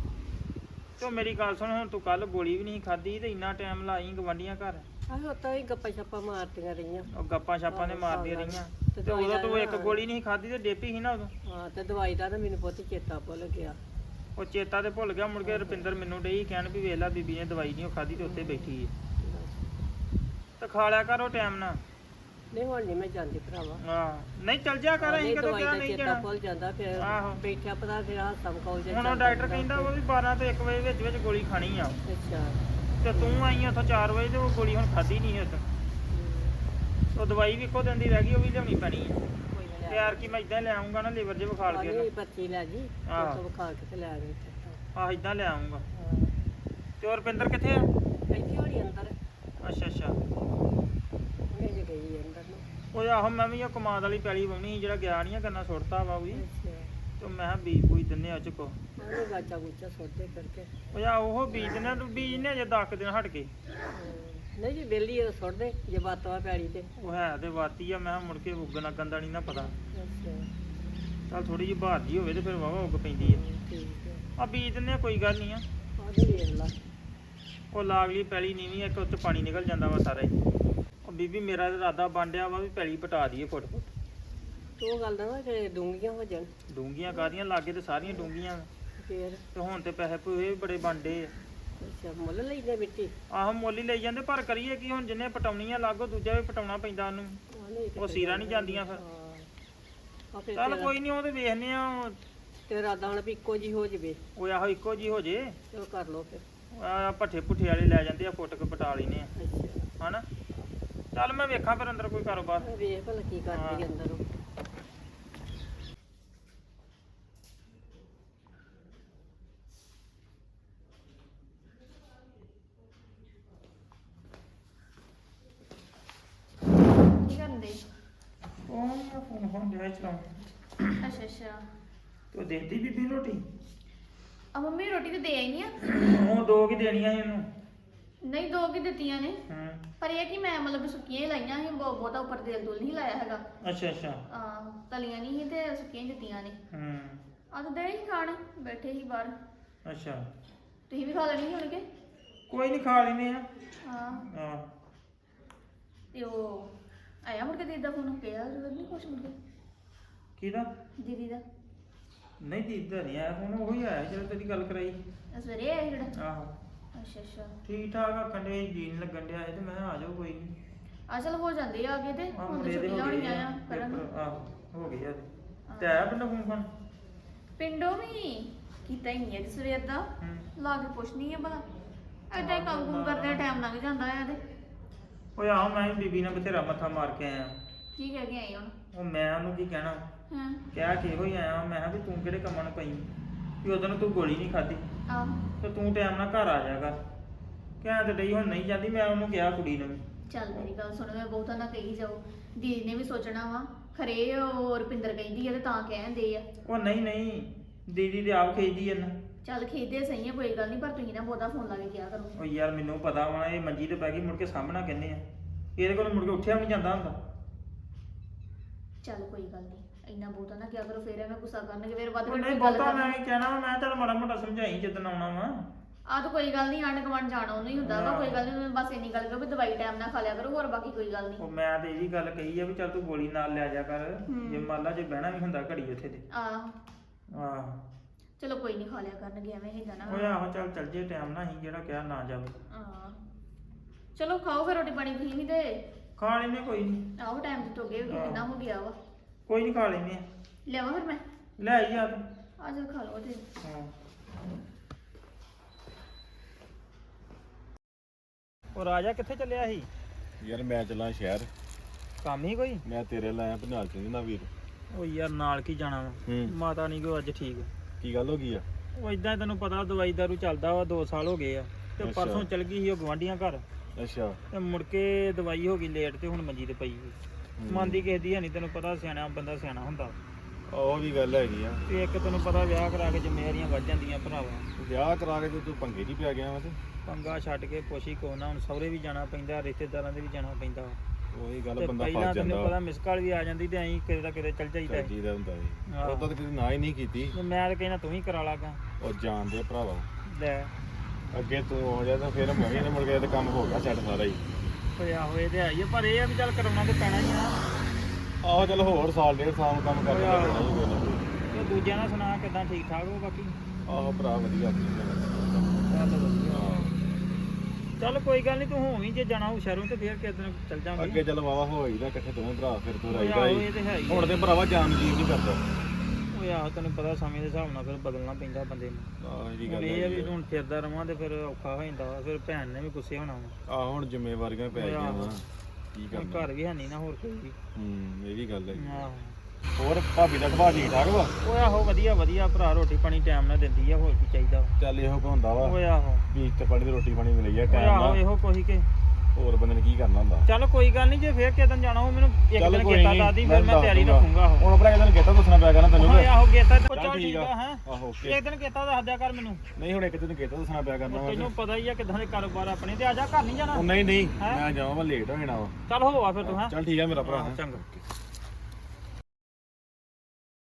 S7: ਤੇ ਉਹ ਮੇਰੀ ਗੱਲ ਸੁਣ ਹੁਣ ਤੂੰ ਕੱਲ ਗੋਲੀ ਵੀ ਨਹੀਂ ਖਾਧੀ ਤੇ ਇੰਨਾ ਟਾਈਮ ਲਾਈ ਗਵਾਂਢੀਆਂ ਘਰ
S1: ਆਹੋ ਤਾਂ ਹੀ ਗੱਪਾਂ ਛੱਪਾਂ ਮਾਰਦੀਆਂ ਰਹੀਆਂ
S7: ਉਹ ਗੱਪਾਂ ਛਾਪਾਂ ਨੇ ਮਾਰਦੀਆਂ ਰਹੀਆਂ ਤੇ ਉਦੋਂ ਤੂੰ ਇੱਕ ਗੋਲੀ ਨਹੀਂ ਖਾਧੀ ਤੇ ਡੇਪੀ ਸੀ ਨਾ ਉਦੋਂ
S1: ਹਾਂ ਤੇ ਦਵਾਈ ਦਾ ਨਾ ਮੈਨੂੰ ਬਹੁਤ ਚੇਤਾ ਭੁੱਲ ਗਿਆ
S7: ਉਹ ਚੇਤਾ ਤੇ ਭੁੱਲ ਗਿਆ ਮੁੜ ਕੇ ਰੁਪਿੰਦਰ ਮੈਨੂੰ ਡਈ ਕਹਿਣ ਵੀ ਵੇਖ ਲੈ ਬੀਬੀ ਨੇ ਦਵਾਈ ਨਹੀਂ ਖਾਧੀ ਤੇ ਉੱਥੇ ਬੈਠੀ ਏ ਤੇ ਖਾ ਲਿਆ ਕਰ ਉਹ ਟਾਈਮ ਨਾਲ
S1: ਨਹੀਂ ਹੁਣ ਨਹੀਂ ਮੈਂ ਜਾਂਦੀ ਭਰਾਵਾ
S7: ਹਾਂ ਨਹੀਂ ਚੱਲ ਜਾ ਕਰ ਅਸੀਂ ਕਦੋਂ
S1: ਦਵਾਈ
S7: ਕਿਹਾ
S1: ਦਾ
S7: ਨਹੀਂ
S1: ਚੇਤਾ
S7: ਜਾਣਾ
S1: ਭੁੱਲ ਜਾਂਦਾ ਫਿਰ
S7: ਆਹੋ।
S1: ਬੈਠਿਆ ਪਤਾ ਫਿਰ ਹਾਸਾ ਮਖੌਲ ਜਿਹਾ
S7: ਹੁਣ ਉਹ
S1: ਚੱਲਦਾ
S7: ਡਾਕਟਰ ਕਹਿੰਦਾ ਉਹ ਵੀ 12 ਤੋਂ 1 ਵਜੇ ਵਿੱਚ ਗੋਲੀ ਖਾਣੀ ਆ
S1: ਅੱਛਾ
S7: ਤੇ ਤੂੰ ਆਈ ਉੱਥੋਂ 4 ਵਜੇ ਤੇ ਉਹ ਗੋਲੀ ਹੁਣ ਖਾਧੀ ਨਹੀਂ ਉੱਥੇ ਉਹ ਦਵਾਈ ਵੀ ਇੱਕੋ ਦਿਨ ਦੀ ਰਹਿ ਗਈ ਉਹ ਵੀ ਲਿਆਉਣੀ ਪੈਣੀ ਹੈ
S1: ਕੋਈ ਨਾ
S7: ਤੇ ਯਾਰ ਕੀ ਮੈਂ ਇਦਾਂ ਲੈ ਆਉਂਗਾ ਨਾ ਲੀਵਰ ਜੇ ਵਿਖਾਲ ਕੇ
S1: ਨਹੀਂ ਪਰਚੀ ਲੈ ਜੀ
S7: ਆਹ।
S1: ਤੋਂ ਵਿਖਾ ਕੇ ਤੇ ਲੈ ਗਈ
S7: ਆਹ ਇਦਾਂ ਲੈ ਆਉਂਗਾ
S1: ਹਾਂ
S7: ਤੇ ਉਹ ਰੁਪਿੰਦਰ ਕਿੱਥੇ ਆ
S1: ਇੱਥੇ ਹੋਣੀ ਅੰਦਰ
S7: ਅੱਛਾ ਅੱਛਾ
S1: ਉਹਨੇ ਜੇ ਗਈ ਅੰਦਰ ਨੂੰ
S7: ਉਹ ਆਹੋ ਮੈਂ ਵੀ ਉਹ ਕਮਾਦ ਵਾਲੀ ਪੈਲੀ ਵਾਉਣੀ ਸੀ ਜਿਹੜਾ ਗਿਆ ਨਹੀਂ ਆ ਗੰਨਾ ਸੁੱਟਤਾ ਵਾ ਉਹ ਵੀ
S1: ਅੱਛਾ
S7: ਤੇ ਮੈਂ ਕਿਹਾ ਬੀਜ ਬੂਜ ਦਿੰਨੇ ਆ ਚੁੱਕੋ
S1: ਉਹਨੇ ਗਾਚਾ ਗੁੱਚਾ ਸੋਧੇ ਕਰਕੇ
S7: ਉਹ ਆ ਉਹ ਬੀਜ ਦਿੰਨੇ ਤੂੰ ਬੀਜ ਨੇ ਜੇ 10 ਦਿਨ ਹਟ ਕੇ
S1: ਨਹੀਂ ਜੀ ਬੇਲੀ ਸੁੱਟ ਦੇ ਜੇ ਬਾਤਵਾ ਪੈੜੀ ਤੇ
S7: ਉਹ ਹੈ ਤੇ ਵਾਤੀ ਆ ਮੈਂ ਕਿਹਾ ਮੁੜ ਕੇ ਉੱਗਣਾ ਗੰਦਾ ਨਹੀਂ ਨਾ ਪਤਾ
S1: ਅੱਛਾ
S7: ਚੱਲ ਥੋੜੀ ਜਿਹੀ ਬਹਾਰ ਜੀ ਹੋਵੇ ਤੇ ਫਿਰ ਵਾਵਾ ਉੱਗ ਪੈਂਦੀ ਆ
S1: ਠੀਕ ਹੈ
S7: ਆ ਬੀਜ ਦਿੰਨੇ ਆ ਕੋਈ ਗੱਲ ਨਹੀਂ ਆ
S1: ਆਹ ਵੇਖ ਲਾ
S7: ਉਹ ਲਾਗਲੀ ਪੈਲੀ ਨੀਵੀਂ ਇੱਕ ਉੱਤੇ ਪਾਣੀ ਨਿਕਲ ਜਾਂਦਾ ਵਾ ਸਾਰਾ ਹੀ ਉਹ ਬੀਬੀ ਮੇਰਾ ਇਰਾਦਾ ਬੰਡਿਆ ਵਾ ਵੀ ਪੈਲੀ ਪਟਾ ਦਈਏ ਫੁੱਟ
S1: ਤੂੰ ਗੱਲ ਦਾ ਨਾ ਕਿ ਡੂੰਗੀਆਂ ਹੋ ਜਾਣ
S7: ਡੂੰਗੀਆਂ ਕਾਦੀਆਂ ਲਾਗੇ ਤੇ ਸਾਰੀਆਂ ਡੂੰਗੀਆਂ
S1: ਫੇਰ
S7: ਤੇ ਹੁਣ ਤੇ ਪੈਸੇ ਪੂਏ ਵੀ ਬੜੇ ਬਣਦੇ ਆ
S1: ਅੱਛਾ ਮੁੱਲ ਲਈਦੇ ਮਿੱਟੀ
S7: ਆਹੋ ਮੁੱਲ ਹੀ ਲਈ ਜਾਂਦੇ ਪਰ ਕਰੀਏ ਕੀ ਹੁਣ ਜਿੰਨੇ ਪਟਾਉਣੀਆਂ ਲਾਗੋ ਦੂਜਾ ਵੀ ਪਟਾਉਣਾ ਪੈਂਦਾ ਉਹਨੂੰ
S1: ਆਹ ਨਹੀਂ
S7: ਉਹ ਸੀਰਾ ਨਹੀਂ ਜਾਂਦੀਆਂ ਫਿਰ
S1: ਆ ਫਿਰ
S7: ਚੱਲ ਕੋਈ ਨਹੀਂ ਉਹ ਤੇ ਵੇਖਨੇ ਆ
S1: ਤੇਰਾ ਦਾਣ ਵੀ ਇੱਕੋ ਜੀ ਹੋ ਜਵੇ
S7: ਉਹ ਆਹੋ ਇੱਕੋ ਜੀ ਹੋ ਜੇ
S1: ਚਲੋ ਕਰ ਲੋ ਫਿਰ
S7: ਆ ਭੱਠੇ ਭੁੱਠੇ ਵਾਲੇ ਲੈ ਜਾਂਦੇ ਆ ਫੁੱਟ ਕੇ ਪਟਾ ਲੈਨੇ ਆ
S1: ਅੱਛਾ
S7: ਹਨਾ ਚੱਲ ਮੈਂ ਵੇਖਾਂ ਫਿਰ ਅੰਦਰ ਕੋਈ ਕਾਰੋਬਾਰ
S1: ਮੈਂ ਵੇਖ ਭਲਾ ਕੀ ਕਰਦੀ ਅੰਦਰ ਉਹ
S2: ਕੀ ਕਰਨ ਦੇ
S7: ਉਹ ਮੈਂ ਫੋਨ ਦੇ ਚਲਾਉਂ
S2: ਅੱਛਾ ਅੱਛਾ
S7: ਤੂੰ ਦੇਤੀ ਬੀਬੀ ਨੂੰ ਰੋਟੀ
S2: ਆ ਮੰਮੀ ਰੋਟੀ ਤੇ ਦੇ ਆਈ ਆ
S7: ਉਹ ਦੋ ਕੀ ਦੇਣੀਆਂ ਸੀ ਉਹਨੂੰ
S2: ਨਹੀਂ ਦੋ ਕੀ ਦਿੱਤੀਆਂ ਨੇ
S7: ਹੂੰ
S2: ਪਰ ਇਹ ਕਿ ਮੈਂ ਮਤਲਬ ਸੁੱਕੀਆਂ ਹੀ ਲਾਈਆਂ ਸੀ ਬਹੁਤਾ ਉੱਪਰ ਤੇਲ ਤੂਲ ਨਹੀਂ ਲਾਇਆ ਹੈਗਾ
S7: ਅੱਛਾ ਅੱਛਾ
S2: ਤਲੀਆਂ ਨਹੀਂ ਸੀ ਤੇ ਸੁੱਕੀਆਂ ਹੀ ਦਿੱਤੀਆਂ ਨੇ
S7: ਹੂੰ
S2: ਆ ਤਾਂ ਦੇ ਹੀ ਖਾਣ ਬੈਠੇ ਹੀ ਬਾਹਰ
S7: ਅੱਛਾ
S2: ਤੁਸੀਂ ਵੀ ਖਾ ਲੈਣੀ ਹੁਣ ਕੇ
S7: ਕੋਈ ਨਹੀਂ ਖਾ ਲੈਨੇ ਆ
S2: ਹਾਂ
S7: ਹਾਂ
S2: ਤੇ ਉਹ ਆਇਆ ਮੁੜ ਕੇ ਦੀਦੀ ਦਾ ਫੋਨ ਕਿਹਾ ਜ਼ਰੂਰ ਨਹੀਂ ਕੁਛ ਮੁੜ ਕੇ
S7: ਕਿਹਦਾ
S2: ਦੀਦੀ ਦਾ
S7: ਨਹੀਂ ਦੀਦਾ ਨਹੀਂ ਆਇਆ ਹੁਣ ਉਹੀ ਆਇਆ ਜਦੋਂ ਤੇਰੀ ਗੱਲ ਕਰਾਈ
S2: ਸਵੇਰੇ ਆਇਆ ਜਿਹੜਾ
S7: ਆਹੋ
S2: ਅੱਛਾ ਅੱਛਾ
S7: ਠੀਕ ਠਾਕ ਆਖਣ ਦੇ ਜੀਣ ਲੱਗਣ ਡਿਆ ਸੀ ਤੇ ਮੈਂ ਕਿਹਾ ਆ ਜਾਓ ਕੋਈ ਨਹੀਂ
S2: ਆ ਚਲ ਹੋ ਜਾਂਦੇ ਆ ਅੱਗੇ ਤੇ
S7: ਆਹ
S2: ਹੁਣ
S7: ਮੁੰਡੇ
S2: ਤੇ
S7: ਦੇ
S2: ਛੁੱਟੀਆਂ
S7: ਹੋ ਗਏ
S2: ਹੋਣੀਆਂ ਆ ਕਰਨ
S7: ਪੇਪਰ, ਆਹੋ ਹੋ ਗਈ ਆ ਤੇ ਆਇਆ ਬੰਦਾ ਫੋਨ ਫਾਨ
S2: ਪਿੰਡੋਂ ਵੀ ਕੀਤਾ ਹੀ ਨਹੀਂ ਅੱਜ ਸਵੇਰ ਦਾ
S7: ਹੂੰ
S2: ਲਾ ਕੇ ਪੁੱਛਣੀ ਆ ਭਲਾ ਏਦਾਂ ਹੀ ਕੰਮ ਕੁਮ ਕਰਦੇ ਟਾਈਮ ਲੰਘ ਜਾਂਦਾ ਆ ਤੇ
S7: ਓਏ ਆਹ ਮੈਂ ਵੀ ਬੀਬੀ ਨਾਲ ਬਥੇਰਾ ਮੱਥਾ ਮਾਰ ਕੇ ਆਇਆ
S2: ਕੀ ਕਹਿ ਕੇ ਆਈ ਹੁਣ
S7: ਉਹ ਮੈਂ ਉਹਨੂੰ ਕੀ ਕਹਿਣਾ
S2: ਹਾਂ
S7: ਕਿਹਾ ਕਿ ਇਹੋ ਹੀ ਆਇਆ ਮੈਂ ਕਿਹਾ ਵੀ ਤੂੰ ਕਿਹੜੇ ਕੰਮਾਂ ਨੂੰ ਪਈ ਵੀ ਉਦੋਂ ਤੂੰ ਗੋਲੀ ਨਹੀਂ ਖਾਧੀ
S2: ਆਹ
S7: ਤੇ ਤੂੰ ਟਾਈਮ ਨਾਲ ਘਰ ਆ ਜਾਗਾ ਕਹਿ ਤੇ ਡਈ ਹੁਣ ਨਹੀਂ ਜਾਂਦੀ ਮੈਂ ਉਹਨੂੰ ਕਿਹਾ ਕੁੜੀ ਨੂੰ ਵੀ।
S2: ਚੱਲ ਮੇਰੀ ਗੱਲ ਸੁਣ ਮੈਂ ਬਹੁਤਾ ਨਾ ਕਹੀ ਜਾਓ ਦੀਦੀ ਨੇ ਵੀ ਸੋਚਣਾ ਵਾ ਖਰੇ ਉਹ ਰੁਪਿੰਦਰ ਕਹਿੰਦੀ ਆ ਤੇ ਤਾਂ ਕਹਿੰਦੇ ਆ
S7: ਉਹ ਨਹੀਂ ਨਹੀਂ ਦੀਦੀ ਤੇ ਆਪ ਖੇਜਦੀ ਇਹਨਾਂ
S2: ਚੱਲ ਖੇਦੇ ਸਹੀ ਆ ਕੋਈ ਗੱਲ ਨਹੀਂ ਪਰ ਤੁਸੀਂ ਨਾ ਬਹੁਤਾ ਫੋਨ ਲਾ ਕੇ ਕਿਹਾ ਕਰੋ
S7: ਉਹ ਯਾਰ ਮੈਨੂੰ ਪਤਾ ਵਾ ਇਹ ਮੰਜੀ ਤੇ ਪੈ ਗਈ ਮੁੜ ਕੇ ਸਾਹਮਣਾ ਕਹਿੰਦੇ ਆ ਇਹਦੇ ਕੋਲ ਮੁੜ ਕੇ ਉੱਠਿਆ ਵੀ ਨਹੀਂ ਜਾਂਦਾ ਹੁੰਦਾ
S2: ਚੱਲ ਕੋਈ ਗੱਲ ਨਹੀਂ ਇੰਨਾ ਬਹੁਤਾ ਨਾ ਕਿਹਾ ਕਰੋ ਫੇਰ ਐਵੇਂ ਗੁੱਸਾ ਕਰਨਗੇ ਫੇਰ ਵੱਧ
S7: ਉਹ
S2: ਘੱਟ
S7: ਨਹੀਂ
S2: ਕੋਈ ਗੱਲ
S7: ਬਹੁਤਾ
S2: ਕਰਨਾ।
S7: ਮੈਂ ਵੀ ਕਹਿਣਾ ਵਾ ਮੈਂ ਚੱਲ ਮਾੜਾ ਮੋਟਾ ਸਮਝਾਈ ਜਦੋਂ ਆਉਣਾ ਵਾ
S2: ਆਹ ਤਾਂ ਕੋਈ ਗੱਲ ਨਹੀਂ ਆਂਢ ਗੁਆਂਢ ਜਾਣਾ ਉਹਨੂੰ ਹੀ ਹੁੰਦਾ ਵਾ ਕੋਈ ਗੱਲ ਨਹੀਂ ਬਸ ਇੰਨੀ ਗੱਲ ਕਰੋ ਵੀ ਦਵਾਈ ਟਾਈਮ ਨਾਲ ਖਾ ਲਿਆ ਕਰੋ ਹੋਰ ਬਾਕੀ ਕੋਈ ਗੱਲ ਨਹੀਂ
S7: ਉਹ ਮੈਂ ਤੇ ਇਹ ਵੀ ਗੱਲ ਕਹੀ ਆ ਵੀ ਚੱਲ ਤੂੰ ਗੋਲੀ ਨਾਲ ਲੈ ਜਾ ਕਰ ਜੇ ਮੰਨ ਲਾ ਜੇ ਬਹਿਣਾ ਵੀ ਹੁੰਦਾ ਘੜੀ ਉੱਥੇ ਤੇ
S2: ਆਹ
S7: ਆਹ
S2: ਚਲੋ ਕੋਈ ਨਹੀਂ ਖਾ ਲਿਆ ਕਰਨਗੇ ਐਵੇਂ ਹੀ ਨਾ
S7: ਓਏ ਆਹੋ ਚੱਲ ਜੇ ਟਾਈਮ ਨਾ ਹੀ ਜਿਹੜਾ ਕਿਹਾ ਨਾ ਜਾਵੇ
S2: ਆਹ ਚਲੋ ਖਾਓ ਫਿਰ ਰੋਟੀ ਪਾਣੀ ਤੁਸੀਂ ਵੀ ਤੇ
S7: ਖਾ ਲੈਨੇ ਕੋਈ ਨਹੀਂ
S2: ਆਹੋ ਟਾਈਮ ਤੇ ਹੋ ਗਏ ਕਿੰਨਾ ਹੋ ਗਿਆ ਵਾ
S7: ਕੋਈ ਨਹੀਂ ਖਾ ਲੈਨੇ ਆ
S2: ਲਿਆਵਾਂ ਫਿਰ ਮੈਂ
S7: ਲੈ ਆਈ ਆ ਤੂੰ
S2: ਆ ਜਾ ਖਾ ਲਓ ਤੇ
S7: ਹਾਂ ਉਹ ਰਾਜਾ ਕਿੱਥੇ ਚੱਲਿਆ ਸੀ?
S8: ਯਾਰ ਮੈਂ ਚੱਲਾਂ ਸ਼ਹਿਰ,
S7: ਕੰਮ ਹੀ ਕੋਈ?
S8: ਮੈਂ ਤੇਰੇ ਲਾਇਆ ਭਨਾਲ ਚ ਨਾ ਵੀਰ।
S7: ਉਹ ਯਾਰ ਨਾਲ ਕੀ ਜਾਣਾ ਵਾ,
S8: ਹੂੰ,
S7: ਮਾਤਾ ਨਹੀਂ ਕੋ ਅੱਜ ਠੀਕ।
S8: ਕੀ ਗੱਲ ਹੋ ਗਈ ਆ?
S7: ਉਹ ਇਦਾਂ ਤੈਨੂੰ ਪਤਾ ਦਵਾਈ ਦਾਰੂ ਚੱਲਦਾ ਵਾ, 2 ਸਾਲ ਹੋ ਗਏ ਆ ਤੇ
S8: ਅੱਛਾ।
S7: ਪਰਸੋਂ ਚਲ ਗਈ ਸੀ ਉਹ ਗਵਾਂਢੀਆਂ ਘਰ
S8: ਅੱਛਾ।
S7: ਤੇ ਮੁੜ ਕੇ ਦਵਾਈ ਹੋ ਗਈ ਲੇਟ ਤੇ ਹੁਣ ਮੰਜੀ ਤੇ ਪਈ ਮੰਨਦੀ ਕਿਸੇ ਦੀ ਹੈ ਨਹੀਂ, ਤੈਨੂੰ ਪਤਾ ਸਿਆਣਾ ਬੰਦਾ ਸਿਆਣਾ ਹੁੰਦਾ।
S8: ਉਹ ਵੀ ਗੱਲ ਹੈਗੀ ਆ।
S7: ਤੇ ਇੱਕ ਤੈਨੂੰ ਪਤਾ ਵਿਆਹ ਕਰਾ ਕੇ ਜ਼ਿੰਮੇਵਾਰੀਆਂ ਵੱਧ ਜਾਂਦੀਆਂ ਭਰਾਵਾ।
S8: ਵਿਆਹ ਕਰਾ ਕੇ ਤੂੰ ਪੰਗੇ ਨਹੀਂ ਪਿਆ ਗਿਆ ਵਾ ਤੇ
S7: ਪੰਗਾ ਛੱਡ ਕੇ ਪੁੱਛੀ ਕੋ ਨਾ, ਹੁਣ ਸਹੁਰੇ ਵੀ ਜਾਣਾ ਪੈਂਦਾ, ਰਿਸ਼ਤੇਦਾਰਾਂ ਦੇ ਵੀ ਜਾਣਾ ਪੈਂਦਾ।
S8: ਉਹੀ ਗੱਲ
S7: ਤੇ
S8: ਬੰਦਾ
S7: ਪਹਿਲਾਂ
S8: ਫਸ
S7: ਤੈਨੂੰ
S8: ਜਾਂਦਾ
S7: ਪਤਾ ਮਿਸ ਕਾਲ ਵੀ ਆ ਜਾਂਦੀ ਤੇ ਐਂ ਕਿਤੇ ਦਾ ਕਿਤੇ ਚੱਲ ਜਾਈਦਾ ਸੀ।
S8: ਦਾ ਹੁੰਦਾ ਸੀ।
S7: ਆਹੋ।
S8: ਉਦੋਂ ਤਾਂ ਕਿਤੇ ਨਾ ਹੀ ਨਹੀਂ ਕੀਤੀ।
S7: ਤੇ ਮੈਂ ਤਾਂ ਕਹਿਣਾ ਤੂੰ ਹੀ ਕਰਾ ਲਾਗਾ
S8: ਉਹ ਜਾਣਦੇ ਭਰਾਵਾ,
S7: ਲੈ।
S8: ਅੱਗੇ ਤੂੰ ਹੋ ਜਾ ਤਾਂ ਫਿਰ ਮੈਂ ਵੀ ਨੇ ਮੁੜ ਕੇ ਤੇ ਕੰਮ ਹੋ ਗਿਆ ਛੱਡ ਸਾਰਾ ਹੀ।
S7: ਹੋਇਆ ਹੋਏ ਤੇ ਆਈਏ, ਪਰ ਇਹ ਆ ਵੀ ਚੱਲ ਕਰਾਉਣਾ ਤੇ ਪੈਣਾ ਹੀ ਆ।
S8: ਆਹੋ ਚੱਲ ਹੋਰ ਸਾਲ ਡੇਢ ਸਾਲ ਨੂੰ ਕੰਮ ਕਰਨਾ
S7: ਆਹੋ।
S8: ਪੈਣਾ ਹੀ ਕੋਈ ਨਾ ਕੋਈ।
S7: ਤੇ ਦੂਜਿਆਂ ਨਾਲ ਸੁਣਾ ਕਿਦਾਂ, ਠੀਕ ਠਾਕ ਹੋ ਬਾਕੀ?
S8: ਆਹੋ ਭਰਾ ਵਧੀਆ ਆਪਣੀ
S7: ਚੱਲ ਵਧੀਆ। ਚੱਲ ਕੋਈ ਗੱਲ ਨਹੀਂ, ਤੂੰ ਹੋਵੀਂ ਜੇ ਜਾਣਾ ਹੋ ਸ਼ਹਿਰੋਂ ਤੇ ਫਿਰ ਕਿਸੇ ਦਿਨ ਚੱਲ ਜਾਵਾਂਗੇ।
S8: ਅੱਗੇ ਚੱਲ ਵਾਵਾ ਹੋਈ ਨਾ ਇਕੱਠੇ ਦੋਵੇਂ ਭਰਾ, ਫਿਰ ਤੂੰ ਰਾਈਦਾ
S7: ਆਹੋ,
S8: ਹੀ।
S7: ਇਹ ਤੇ ਹੈ ਹੀ ਆ।
S8: ਹੁਣ ਤੇ ਭਰਾਵਾ ਜਾਨ ਜੀਵ ਨਹੀਂ ਕਰਦਾ।
S7: ਉਹ ਆਹੋ ਤੈਨੂੰ ਪਤਾ ਸਮੇਂ ਦੇ ਹਿਸਾਬ ਨਾਲ ਫਿਰ ਬਦਲਣਾ ਪੈਂਦਾ ਬੰਦੇ ਨੂੰ।
S8: ਆਹ ਇਹ
S7: ਹੁਣ
S8: ਗੱਲ
S7: ਇਹ ਆ ਵੀ
S8: ਹੈਗੀ ਆ।
S7: ਹੁਣ ਫਿਰਦਾ ਰਵਾਂ ਤੇ ਫਿਰ ਔਖਾ ਹੋ ਜਾਂਦਾ ਵਾ, ਫਿਰ ਭੈਣ ਨੇ ਵੀ ਗੁੱਸੇ ਹੋਣਾ ਵਾ।
S8: ਆਹ ਹੁਣ ਜ਼ਿੰਮੇਵਾਰੀਆਂ ਪੈ ਗਈਆਂ ਵਾ, ਕੀ
S7: ਹੁਣ
S8: ਕਰਨਾ।
S7: ਘਰ ਵੀ ਹੈ ਨਹੀਂ ਨਾ ਹੋਰ ਕੋਈ ਵੀ।
S8: ਇਹ ਵੀ ਗੱਲ ਹੈਗੀ।
S7: ਆਹੋ
S8: ਹੋਰ ਭਾਬੀ ਦਾ ਸੁਭਾਅ ਠੀਕ ਠਾਕ ਵਾ?
S7: ਉਹ ਆਹੋ ਵਧੀਆ ਵਧੀਆ ਭਰਾ, ਰੋਟੀ ਪਾਣੀ ਟਾਈਮ ਨਾਲ ਦਿੰਦੀ ਆ, ਹੋਰ ਕੀ ਚਾਹੀਦਾ ਵਾ।
S8: ਚੱਲ ਇਹੋ ਕੁ ਹੁੰਦਾ ਵਾ,
S7: ਉਹ ਆਹੋ
S8: ਵੀ ਤੇ ਪਾਣੀ ਦੀ ਰੋਟੀ ਪਾਣੀ ਮਿਲੀ ਆ
S7: ਉਹ
S8: ਟਾਈਮ
S7: ਆਹੋ
S8: ਨਾਲ।
S7: ਇਹੋ ਕੋਈ ਕੇ।
S8: ਹੋਰ ਬੰਦੇ ਨੇ ਕੀ ਕਰਨਾ ਹੁੰਦਾ।
S7: ਚੱਲ ਕੋਈ ਗੱਲ ਨਹੀਂ, ਜੇ ਫੇਰ ਕਿਸੇ ਦਿਨ ਜਾਣਾ ਹੋ ਮੈਨੂੰ ਇੱਕ
S8: ਚੱਲ
S7: ਦਿਨ
S8: ਕੋਈ
S7: ਗੇਤਾ
S8: ਨੀ,
S7: ਦੱਸ ਦੀ,
S8: ਮੈਂ
S7: ਫਿਰ ਮੈਂ
S8: ਦੱਸ
S7: ਤਿਆਰੀ
S8: ਦੂੰਗਾ।
S7: ਰੱਖੂੰਗਾ ਉਹ।
S8: ਹੁਣ ਭਰਾ ਇਹਨੂੰ ਗੇਤਾ ਦੱਸਣਾ ਪਿਆ ਕਰਨਾ ਤੈਨੂੰ।
S7: ਓਏ ਆਹੋ ਗੇਤਾ
S8: ਚੱਲ
S7: ਚੱਲ
S8: ਠੀਕ
S7: ਠੀਕ
S8: ਆ।
S7: ਆ ਹੈ।
S8: ਆਹੋ ਓਕੇ।
S7: ਇੱਕ ਦਿਨ ਗੇਤਾ ਦੱਸ ਦਿਆ ਕਰ ਮੈਨੂੰ।
S8: ਨਹੀਂ ਹੁਣ ਇੱਕ ਦਿਨ ਗੇਤਾ ਦੱਸਣਾ ਪਿਆ ਕਰਨਾ ਵਾ।
S7: ਤੈਨੂੰ ਪਤਾ ਹੀ ਆ ਕਿਦਾਂ ਦੇ ਕਾਰੋਬਾਰ ਆਪਣੇ, ਤੇ ਆ ਜਾ ਘਰ ਨਹੀਂ ਜਾਣਾ।
S8: ਉਹ ਨਹੀਂ
S7: ਹੈਂ?
S8: ਮੈਂ ਜਾਵਾਂ, ਮੈਂ ਲੇਟ ਹੋ ਜਾਣਾ ਵਾ।
S7: ਚੱਲ ਹੋਆ ਫਿਰ ਤੂੰ ਹੈ।
S8: ਚੱਲ ਠੀਕ ਆ ਮੇਰਾ ਭਰਾ।
S7: ਚੰਗਾ।